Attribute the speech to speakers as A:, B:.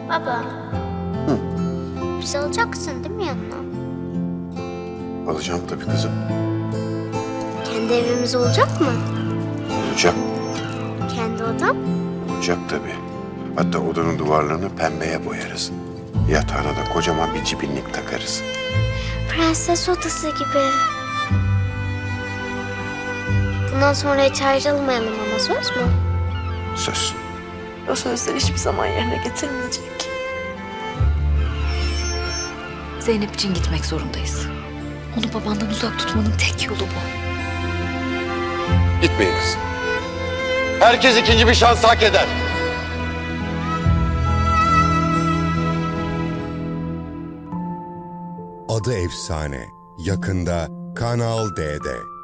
A: Baba.
B: Hı.
A: Bizi alacaksın değil mi yanına?
B: Alacağım tabii kızım.
A: Kendi evimiz olacak mı?
B: Olacak.
A: Kendi odam?
B: Olacak tabii. Hatta odanın duvarlarını pembeye boyarız. Yatağına da kocaman bir cibinlik takarız.
A: Prenses odası gibi. Bundan sonra hiç ayrılmayalım ama söz mü?
B: Söz.
C: O sözleri hiçbir zaman yerine getirmeyecek.
D: Zeynep için gitmek zorundayız. Onu babandan uzak tutmanın tek yolu bu.
B: Gitmeyin kızım.
E: Herkes ikinci bir şans hak eder.
F: Adı Efsane yakında Kanal D'de.